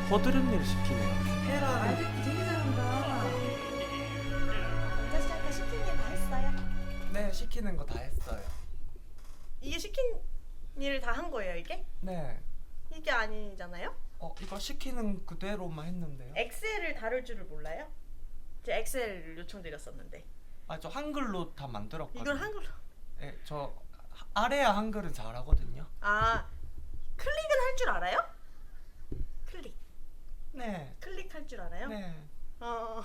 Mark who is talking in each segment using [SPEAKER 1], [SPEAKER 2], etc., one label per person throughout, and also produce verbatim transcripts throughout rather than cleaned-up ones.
[SPEAKER 1] 허드렛 일을 시키네요. 해라.
[SPEAKER 2] 아이들 되게 잘한다.
[SPEAKER 3] 아저씨 아까 시킨 일 다 했어요?
[SPEAKER 1] 네, 시키는 거 다 했어요.
[SPEAKER 3] 이게 시킨 일 다 한 거예요 이게?
[SPEAKER 1] 네.
[SPEAKER 3] 이게 아니잖아요?
[SPEAKER 1] 어, 이거 시키는 그대로만 했는데요.
[SPEAKER 3] 엑셀을 다룰 줄을 몰라요? 제가 엑셀 요청드렸었는데
[SPEAKER 1] 아, 저 한글로 다 만들었거든요.
[SPEAKER 3] 이걸 한글로
[SPEAKER 1] 네, 저 하- 아래야 한글은 잘하거든요.
[SPEAKER 3] 아 클릭은 할 줄 알아요? 클릭
[SPEAKER 1] 네.
[SPEAKER 3] 클릭할 줄 알아요?
[SPEAKER 1] 네.
[SPEAKER 3] 어,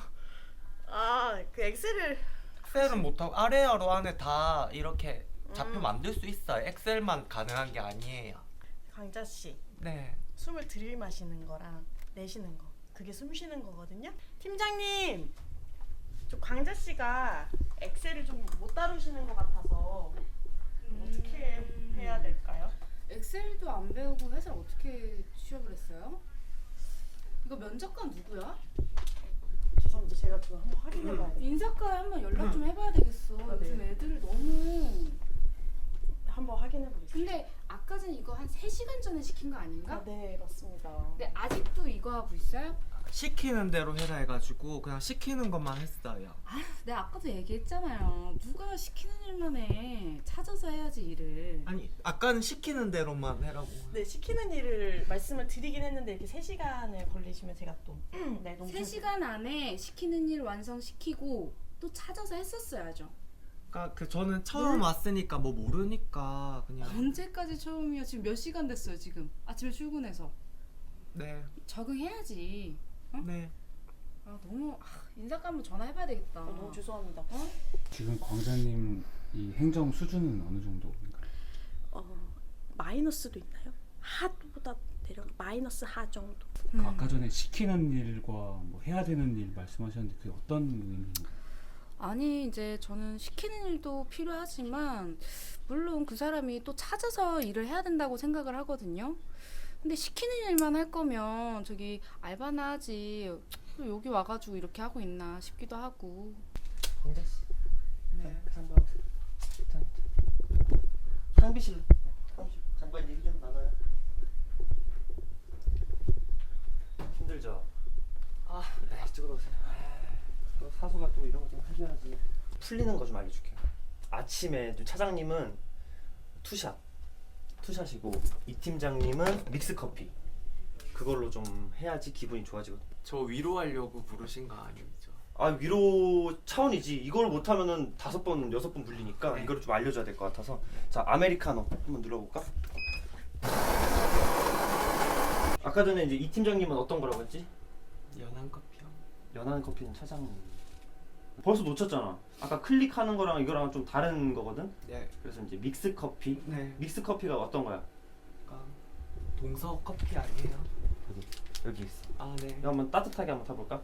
[SPEAKER 3] 아, 그 엑셀을
[SPEAKER 1] 엑셀은 못하고 아래야로 안에 다 이렇게 좌표
[SPEAKER 3] 음.
[SPEAKER 1] 만들 수 있어요. 엑셀만 가능한 게 아니에요.
[SPEAKER 3] 강자 씨
[SPEAKER 1] 네.
[SPEAKER 3] 숨을 들이마시는 거랑 내쉬는 거 그게 숨 쉬는 거거든요. 팀장님, 저 강자 씨가 엑셀을 좀 못 다루시는 것 같아서 어떻게 해야 될까요?
[SPEAKER 2] 엑셀도 안 배우고 회사를 어떻게 취업을 했어요? 이거 면접관 누구야?
[SPEAKER 3] 죄송합니다. 제가 그거 한번 확인해봐야 돼요.
[SPEAKER 2] 인사과에 한번 연락 좀 해봐야 되겠어.
[SPEAKER 3] 아, 네.
[SPEAKER 2] 요즘 애들을 너무.
[SPEAKER 3] 한번 확인해보겠습니다.
[SPEAKER 2] 근데 아까 전 이거 한 세 시간 전에 시킨 거 아닌가?
[SPEAKER 3] 아, 네, 맞습니다.
[SPEAKER 2] 근데 아직도 이거 하고 있어요?
[SPEAKER 1] 시키는 대로 해라 해가지고 그냥 시키는 것만 했어요.
[SPEAKER 2] 아, 내가 아까도 얘기했잖아요. 누가 시키는 일만 해. 찾아서 해야지 일을.
[SPEAKER 1] 아니, 아까는 시키는 대로만 해라고.
[SPEAKER 3] 네, 시키는 일을 말씀을 드리긴 했는데 이렇게 세 시간을 걸리시면 제가 또 네, 너무
[SPEAKER 2] 세 시간 안에 시키는 일 완성시키고 또 찾아서 했었어야죠.
[SPEAKER 1] 그러니까 그 저는 처음 왔으니까 뭐 모르니까 그냥.
[SPEAKER 2] 언제까지 처음이야? 지금 몇 시간 됐어요 지금. 아침에 출근해서.
[SPEAKER 1] 네.
[SPEAKER 2] 적응해야지. 어?
[SPEAKER 1] 네.
[SPEAKER 2] 아 너무 아, 인사과 한번 전화해봐야 되겠다.
[SPEAKER 3] 어, 너무 죄송합니다.
[SPEAKER 2] 어?
[SPEAKER 4] 지금 광장님 이 행정 수준은 어느 정도인가요?
[SPEAKER 3] 어, 마이너스도 있나요? 하보다 내려 마이너스 하 정도.
[SPEAKER 2] 음.
[SPEAKER 4] 아까 전에 시키는 일과 뭐 해야 되는 일 말씀하셨는데 그게 어떤 의미인가요?
[SPEAKER 2] 아니 이제 저는 시키는 일도 필요하지만 물론 그 사람이 또 찾아서 일을 해야 된다고 생각을 하거든요. 근데 시키는 일만 할 거면 저기 알바나 하지 또 여기 와가지고 이렇게 하고 있나 싶기도 하고.
[SPEAKER 5] 광자 씨.
[SPEAKER 1] 네.
[SPEAKER 5] 잠깐. 잠깐. 상비실로. 상비실. 잠깐 얘기 좀 나눠요. 힘들죠?
[SPEAKER 1] 아, 네.
[SPEAKER 5] 이쪽으로 오세요. 또 사수가 또 이런 거 좀 해줘야지. 풀리는 거 좀 알려줄게요. 아침에 좀 차장님은 투샷, 투샷이고 이 팀장님은 믹스 커피. 그걸로 좀 해야지 기분이 좋아지거든.
[SPEAKER 1] 저 위로하려고 부르신 거 아니죠?
[SPEAKER 5] 아 위로 차원이지. 이걸 못하면은 다섯 번 여섯 번 불리니까
[SPEAKER 1] 네.
[SPEAKER 5] 이거를 좀 알려줘야 될 것 같아서. 자 아메리카노 한번 눌러볼까? 아까 전에 이제 이 팀장님은 어떤 거라고 했지?
[SPEAKER 1] 연한 커피요.
[SPEAKER 5] 연한 커피는 차장님. 벌써 놓쳤잖아. 아까 클릭하는 거랑 이거랑 좀 다른 거거든.
[SPEAKER 1] 네.
[SPEAKER 5] 그래서 이제 믹스 커피.
[SPEAKER 1] 네.
[SPEAKER 5] 믹스 커피가 어떤 거야?
[SPEAKER 1] 그러니까 동서 커피 아니에요?
[SPEAKER 5] 여기 여기 있어.
[SPEAKER 1] 아, 네.
[SPEAKER 5] 이거 한번 따뜻하게 한번 타볼까?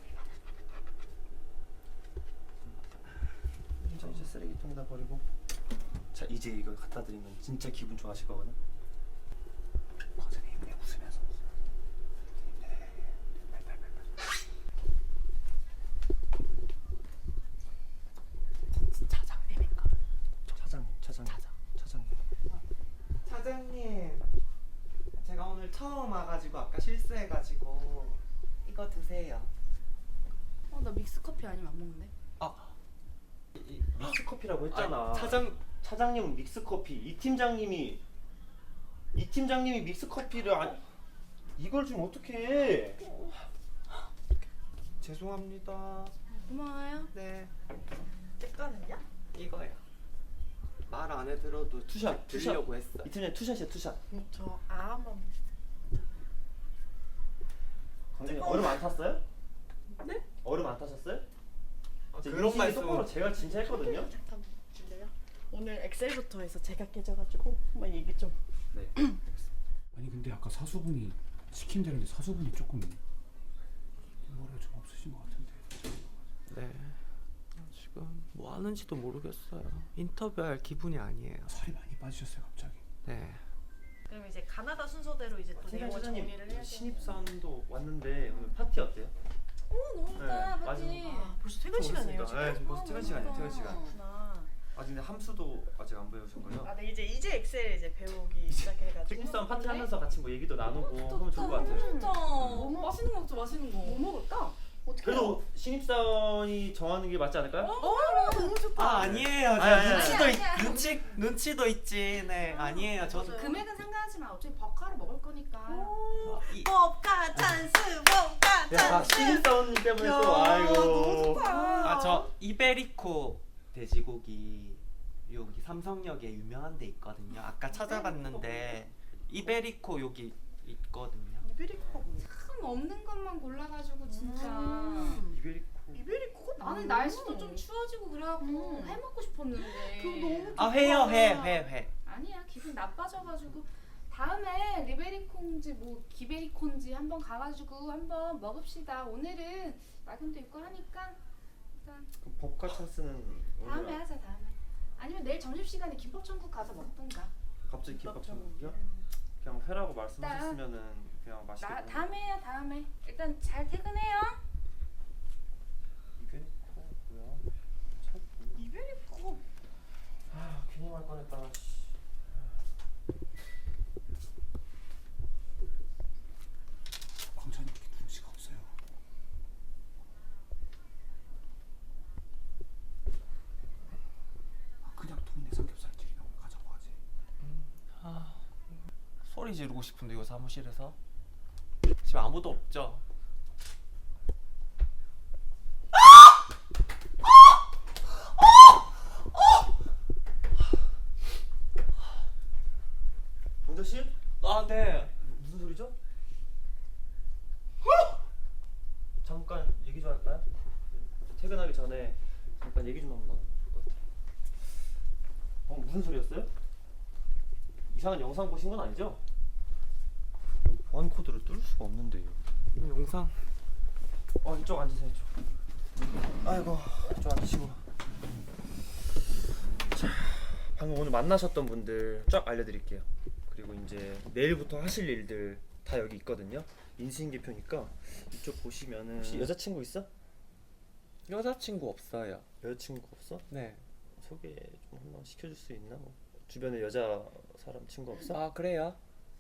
[SPEAKER 5] 자 이제 쓰레기통에다 버리고. 자 이제 이거 갖다 드리면 진짜 기분 좋아하실 거거든. 과장님 왜 웃으면서
[SPEAKER 1] 차장님인가?
[SPEAKER 5] 차장님 차장님
[SPEAKER 1] 차장.
[SPEAKER 5] 차장님.
[SPEAKER 1] 차장님, 제가 오늘 처음 와가지고 아까 실수해가지고 이거 드세요.
[SPEAKER 2] 어, 나 믹스 커피 아니면 안 먹는데.
[SPEAKER 1] 아,
[SPEAKER 5] 이, 믹스 커피라고 했잖아.
[SPEAKER 1] 아, 차장.
[SPEAKER 5] 차장님은 믹스 커피. 이 팀장님이 이 팀장님이 믹스 커피를 안 이걸 좀 어떻게 해?
[SPEAKER 1] 죄송합니다.
[SPEAKER 2] 고마워요.
[SPEAKER 1] 네.
[SPEAKER 3] 제 거는요?
[SPEAKER 1] 이거요. 말 안 해들어도
[SPEAKER 5] 투샷,
[SPEAKER 1] 드리려고 했어.
[SPEAKER 5] 이 팀장님 투샷이야 투샷.
[SPEAKER 3] 음, 저 아 한번.
[SPEAKER 5] 광장님 얼음 안 탔어요?
[SPEAKER 3] 네?
[SPEAKER 5] 얼음 안 타셨어요?
[SPEAKER 1] 아,
[SPEAKER 5] 제
[SPEAKER 1] 그런
[SPEAKER 5] 인식이
[SPEAKER 1] 말씀.
[SPEAKER 5] 똑바로 제가 진짜 했거든요.
[SPEAKER 3] 잠깐 들려요? 오늘 엑셀부터 해서 제가 깨져가지고 한번 얘기 좀.
[SPEAKER 5] 네.
[SPEAKER 4] 아니 근데 아까 사수분이 시킨 대로인데 사수분이 조금 뭐라 좀 없으신 것 같은데.
[SPEAKER 1] 네. 지금 뭐 하는지도 모르겠어요. 인터뷰할 기분이 아니에요.
[SPEAKER 4] 살이 많이 빠지셨어요 갑자기.
[SPEAKER 1] 네.
[SPEAKER 3] 그럼 이제 가나다 순서대로 이제 또 내용을
[SPEAKER 5] 팀장님
[SPEAKER 3] 정리를 해야 돼.
[SPEAKER 5] 신입사원도 왔는데 오늘 파티 어때요?
[SPEAKER 2] 오 너무 좋다.
[SPEAKER 5] 네,
[SPEAKER 2] 파티.
[SPEAKER 5] 마지막.
[SPEAKER 3] 아, 벌써 퇴근 시간이에요 지금?
[SPEAKER 5] 네, 지금 벌써 퇴근 시간이에요. 퇴근 시간.
[SPEAKER 3] 그렇구나.
[SPEAKER 5] 아직 근데 함수도 아직 안 배우신 거예요?
[SPEAKER 3] 아, 네 이제 이제 엑셀 이제 배우기 시작해가지고.
[SPEAKER 5] 신입사원 파티 하면서 같이 뭐 얘기도 나누고 하면 좋을 것 같아요.
[SPEAKER 2] 진짜. 맛있는 거 먹자, 맛있는 거.
[SPEAKER 3] 뭐 먹을까? 어떻게?
[SPEAKER 5] 그래도 신입사원이 정하는 게 맞지 않을까요?
[SPEAKER 3] 어, 너무 좋다.
[SPEAKER 1] 아 아니에요.
[SPEAKER 5] 아니,
[SPEAKER 1] 저
[SPEAKER 5] 아니,
[SPEAKER 1] 눈치도
[SPEAKER 2] 아니,
[SPEAKER 1] 있,
[SPEAKER 2] 아니, 아니.
[SPEAKER 1] 눈치 눈치도 있지. 네 아니에요. 저도
[SPEAKER 3] 맞아요.
[SPEAKER 2] 금액은 상관하지 마. 어차피 버카로 먹을 거니까.
[SPEAKER 3] 오,
[SPEAKER 1] 이-
[SPEAKER 3] 법가 찬스, 법가
[SPEAKER 5] 야
[SPEAKER 3] 찬스.
[SPEAKER 5] 신입사원님 때문에
[SPEAKER 3] 야,
[SPEAKER 5] 또 아이고.
[SPEAKER 3] 너무 좋다.
[SPEAKER 1] 아 저 이베리코 돼지고기 여기 삼성역에 유명한 데 있거든요. 아까 찾아봤는데 이베리코 여기 있거든요.
[SPEAKER 3] 이베리코가 뭐야?
[SPEAKER 2] 참 없는 것만 골라가지고 진짜.
[SPEAKER 3] 음.
[SPEAKER 5] 이베리코.
[SPEAKER 3] 이베리코가
[SPEAKER 2] 나는
[SPEAKER 3] 뭐야?
[SPEAKER 2] 날씨도 좀 추워지고 그래갖고
[SPEAKER 3] 음.
[SPEAKER 2] 해 먹고 싶었는데.
[SPEAKER 3] 그거 너무
[SPEAKER 1] 아 회요 회 회 회.
[SPEAKER 2] 아니야, 기분 나빠져가지고 다음에 리베리콘지 뭐 기베리콘지 한번 가가지고 한번 먹읍시다. 오늘은 야근도 있고 하니까 일단
[SPEAKER 5] 그럼 법과 찬스는
[SPEAKER 2] 다음에
[SPEAKER 5] 오늘
[SPEAKER 2] 하자. 다음에. 아니면 내일 점심시간에 김밥천국 가서 먹던가.
[SPEAKER 5] 갑자기 김밥 천국이요? 그냥 회라고 말씀하셨으면은 그냥 맛있게.
[SPEAKER 2] 나
[SPEAKER 5] 먹는-
[SPEAKER 2] 다음에 해요. 다음에. 일단 잘 퇴근해요.
[SPEAKER 5] 이베리코 뭐야? 참.
[SPEAKER 3] 이베리코.
[SPEAKER 5] 아 괜히 말 꺼냈다가. 씨.
[SPEAKER 4] 광찬이 이렇게 눈치가 없어요. 아, 그냥 동네 삼겹살집이나 가자고 하지.
[SPEAKER 1] 아 소리 지르고 싶은데 이거 사무실에서 지금 아무도 없죠.
[SPEAKER 5] 강자 씨?
[SPEAKER 1] 아 네.
[SPEAKER 5] 무슨 소리죠? 잠깐 얘기 좀 할까요? 퇴근하기 전에 잠깐 얘기 좀 한번 나누면 좋을 것 같아요. 어 무슨 소리였어요? 이상한 영상 보신 건 아니죠? 보안 코드를 뚫을 수가 없는데요.
[SPEAKER 1] 영상.
[SPEAKER 5] 어 이쪽 앉으세요 이쪽. 아이고 이쪽 앉으시고. 자 방금 오늘 만나셨던 분들 쫙 알려드릴게요. 그리고 이제 내일부터 하실 일들 다 여기 있거든요. 인수인계표니까 이쪽 보시면은 혹시 여자친구 있어?
[SPEAKER 1] 여자친구 없어요.
[SPEAKER 5] 여자친구 없어?
[SPEAKER 1] 네.
[SPEAKER 5] 소개 좀 한번 시켜줄 수 있나? 뭐 주변에 여자 사람 친구 없어?
[SPEAKER 1] 아 그래요?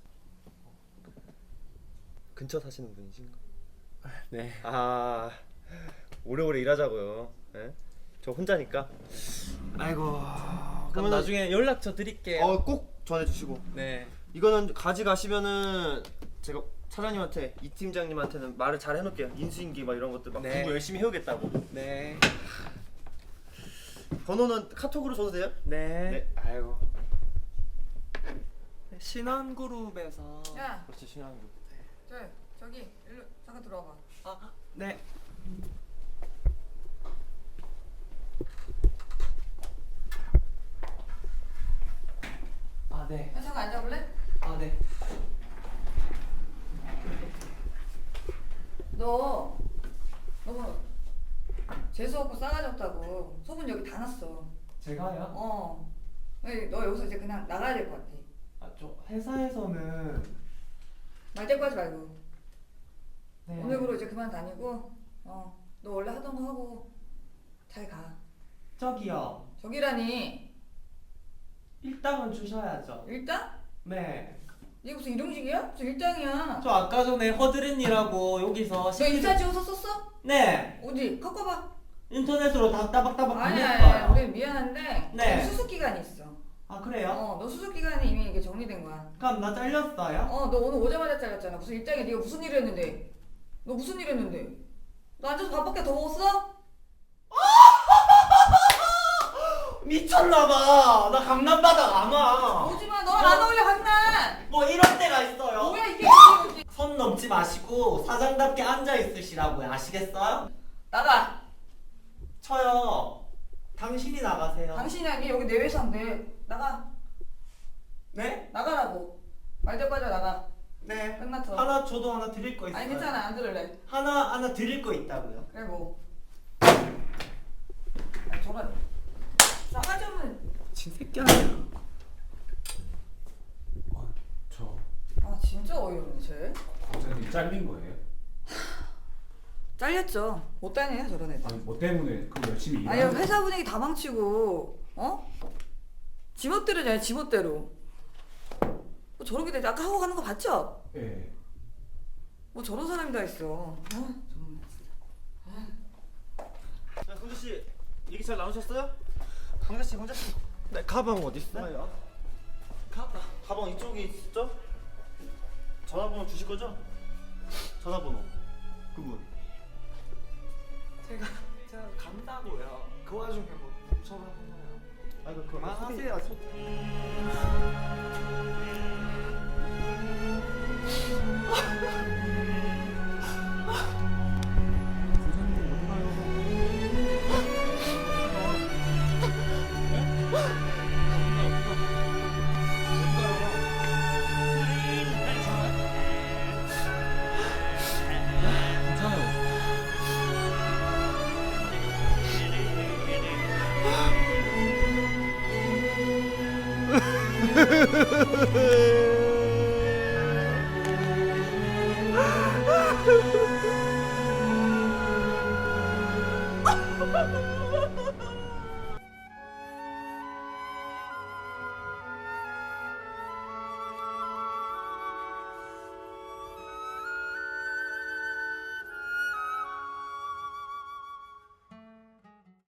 [SPEAKER 5] 근처 사시는 분이신가?
[SPEAKER 1] 네.
[SPEAKER 5] 아 오래오래 일하자고요. 예? 저 혼자니까. 아이고.
[SPEAKER 1] 그럼
[SPEAKER 5] 그러면은-
[SPEAKER 1] 나중에 연락처 드릴게요.
[SPEAKER 5] 어 꼭 전해주시고.
[SPEAKER 1] 네.
[SPEAKER 5] 이거는 가져가시면은 제가 차장님한테 이 팀장님한테는 말을 잘 해놓을게요. 인수인계 막 이런 것들 막
[SPEAKER 1] 네.
[SPEAKER 5] 공부 열심히 해오겠다고.
[SPEAKER 1] 네.
[SPEAKER 5] 번호는 카톡으로 줘도 돼요?
[SPEAKER 1] 네.
[SPEAKER 5] 네. 아이고.
[SPEAKER 1] 신원그룹에서.
[SPEAKER 6] 야,
[SPEAKER 5] 그렇지 신랑도.
[SPEAKER 6] 저 저기 일로 잠깐 들어와봐.
[SPEAKER 1] 아 네. 아 네.
[SPEAKER 6] 야, 잠깐 앉아볼래?
[SPEAKER 1] 아 네.
[SPEAKER 6] 너 너무 재수 없고 싸가지 없다고 소문 여기 다 났어.
[SPEAKER 1] 제가요?
[SPEAKER 6] 어. 에이, 너 여기서 이제 그냥 나가야 될 것 같아.
[SPEAKER 1] 아저 회사에서는.
[SPEAKER 6] 말대꾸 하지 말고
[SPEAKER 1] 네.
[SPEAKER 6] 오늘부로 이제 그만 다니고 어. 너 원래 하던 거 하고 잘 가.
[SPEAKER 1] 저기요.
[SPEAKER 6] 저기라니
[SPEAKER 1] 일당은 주셔야죠.
[SPEAKER 6] 일당?
[SPEAKER 1] 네.
[SPEAKER 6] 이게 무슨 일용직이야? 무슨 일당이야?
[SPEAKER 1] 저 아까 전에 허드렛이라고 여기서
[SPEAKER 6] 너
[SPEAKER 1] 시키는-
[SPEAKER 6] 인사 찍어서 썼어?
[SPEAKER 1] 네.
[SPEAKER 6] 어디? 갖고 봐.
[SPEAKER 1] 인터넷으로 다 따박따박
[SPEAKER 6] 아니야,
[SPEAKER 1] 보냈어요.
[SPEAKER 6] 아니야. 우리 미안한데
[SPEAKER 1] 네.
[SPEAKER 6] 수습 기간이 있어.
[SPEAKER 1] 아 그래요?
[SPEAKER 6] 어, 너 수습 기간이 이미 이게 정리된 거야.
[SPEAKER 1] 그럼 나 잘렸어요?
[SPEAKER 6] 어, 너 오늘 오자마자 잘렸잖아. 무슨 일장에 네가 무슨 일 했는데? 너 무슨 일 했는데? 너 앉아서 밥밖에 더 먹었어?
[SPEAKER 1] 미쳤나봐. 나 강남바닥 안 와.
[SPEAKER 6] 오지마, 너 안 어울려 강남.
[SPEAKER 1] 뭐 이럴 때가 있어요.
[SPEAKER 6] 뭐야 이게?
[SPEAKER 1] 선 넘지 마시고 사장답게 앉아 있으시라고요. 아시겠어요?
[SPEAKER 6] 나가.
[SPEAKER 1] 저요. 당신이 나가세요.
[SPEAKER 6] 당신이 아니 여기 내 회사인데 나가.
[SPEAKER 1] 네?
[SPEAKER 6] 나가라고. 말대 빠져 나가.
[SPEAKER 1] 네.
[SPEAKER 6] 끝났어.
[SPEAKER 1] 하나 저도 하나 드릴 거 있어요.
[SPEAKER 6] 아니 괜찮아 안 들을래.
[SPEAKER 1] 하나 하나 드릴 거 있다고요.
[SPEAKER 6] 그래 뭐. 아니 저런. 싸가지 없는.
[SPEAKER 1] 진 새끼 아니야.
[SPEAKER 4] 와, 저
[SPEAKER 6] 아 진짜 어이없네 쟤.
[SPEAKER 4] 광찬이 잘린 거예요?
[SPEAKER 6] 잘렸죠. 못 다녀요 저런 애들.
[SPEAKER 4] 아니 뭐 때문에 그 열심히
[SPEAKER 6] 아니
[SPEAKER 4] 일하는
[SPEAKER 6] 회사 분위기 다 망치고 어? 지멋대로냐 지멋대로. 뭐 저렇게 돼 아까 하고 가는 거 봤죠?
[SPEAKER 4] 예.
[SPEAKER 6] 뭐 저런 사람이 다 있어. 어? 정말.
[SPEAKER 5] 자, 강재 씨 얘기 잘 나누셨어요? 강재 씨, 강재 씨. 네, 가방 어디 있어요? 가방. 가방 이쪽에 있죠? 전화번호 주실 거죠? 전화번호. 그분.
[SPEAKER 1] 제가 제가 간다고요. 그 와중에 뭐 전화번호요.
[SPEAKER 5] 아이고
[SPEAKER 1] 그만하세요.
[SPEAKER 4] 부사님 어디 가요?
[SPEAKER 5] 아,